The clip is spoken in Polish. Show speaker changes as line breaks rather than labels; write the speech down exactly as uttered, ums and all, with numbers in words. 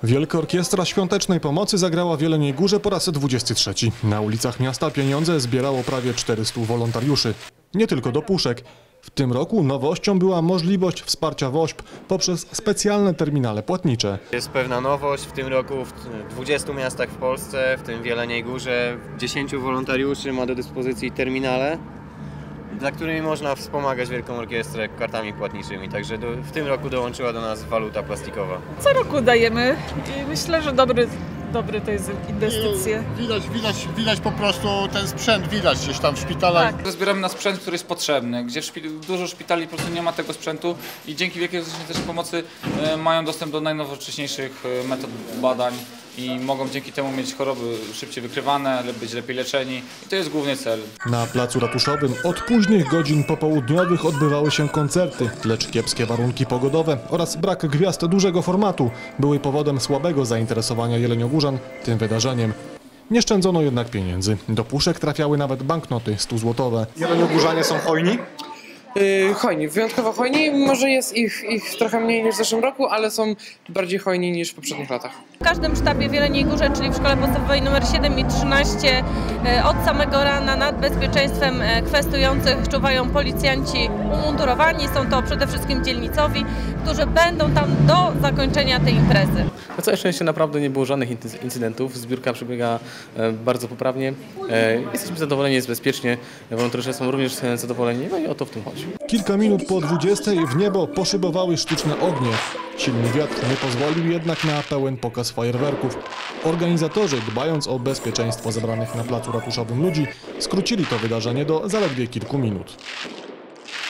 Wielka Orkiestra Świątecznej Pomocy zagrała w Jeleniej Górze po raz dwudziesty trzeci. Na ulicach miasta pieniądze zbierało prawie czterystu wolontariuszy. Nie tylko do puszek. W tym roku nowością była możliwość wsparcia W O Ś P poprzez specjalne terminale płatnicze.
Jest pewna nowość w tym roku w dwudziestu miastach w Polsce, w tym w Jeleniej Górze. dziesięciu wolontariuszy ma do dyspozycji terminale, dla którymi można wspomagać Wielką Orkiestrę kartami płatniczymi. Także do, w tym roku dołączyła do nas waluta plastikowa.
Co roku dajemy i myślę, że dobry, dobry to jest inwestycja.
Widać, widać, widać po prostu ten sprzęt, widać gdzieś tam w szpitalach.
Tak.
Zbieramy na sprzęt, który jest potrzebny, gdzie w szpit- dużo szpitali po prostu nie ma tego sprzętu i dzięki Wielkiej Orkiestrze Pomocy e, mają dostęp do najnowocześniejszych e, metod badań i mogą dzięki temu mieć choroby szybciej wykrywane, być lepiej leczeni i to jest główny cel.
Na placu ratuszowym od późnych godzin popołudniowych odbywały się koncerty, lecz kiepskie warunki pogodowe oraz brak gwiazd dużego formatu były powodem słabego zainteresowania jeleniogórzan tym wydarzeniem. Nie szczędzono jednak pieniędzy. Do puszek trafiały nawet banknoty stuzłotowe.
Jeleniogórzanie są hojni?
Yy, hojni, wyjątkowo hojni. Może jest ich, ich trochę mniej niż w zeszłym roku, ale są bardziej hojni niż w poprzednich latach.
W każdym sztabie w Jeleniej Górze, czyli w szkole podstawowej numer siedem i trzynaście, od samego rana nad bezpieczeństwem kwestujących czuwają policjanci umundurowani. Są to przede wszystkim dzielnicowi, którzy będą tam do zakończenia tej imprezy.
Na całe szczęście naprawdę nie było żadnych incydentów. Zbiórka przebiega bardzo poprawnie. Jesteśmy zadowoleni, jest bezpiecznie. Wolontariusze są również zadowoleni, no i o to w tym chodzi.
Kilka minut po dwudziestej w niebo poszybowały sztuczne ognie. Silny wiatr nie pozwolił jednak na pełen pokaz fajerwerków. Organizatorzy, dbając o bezpieczeństwo zebranych na placu ratuszowym ludzi, skrócili to wydarzenie do zaledwie kilku minut.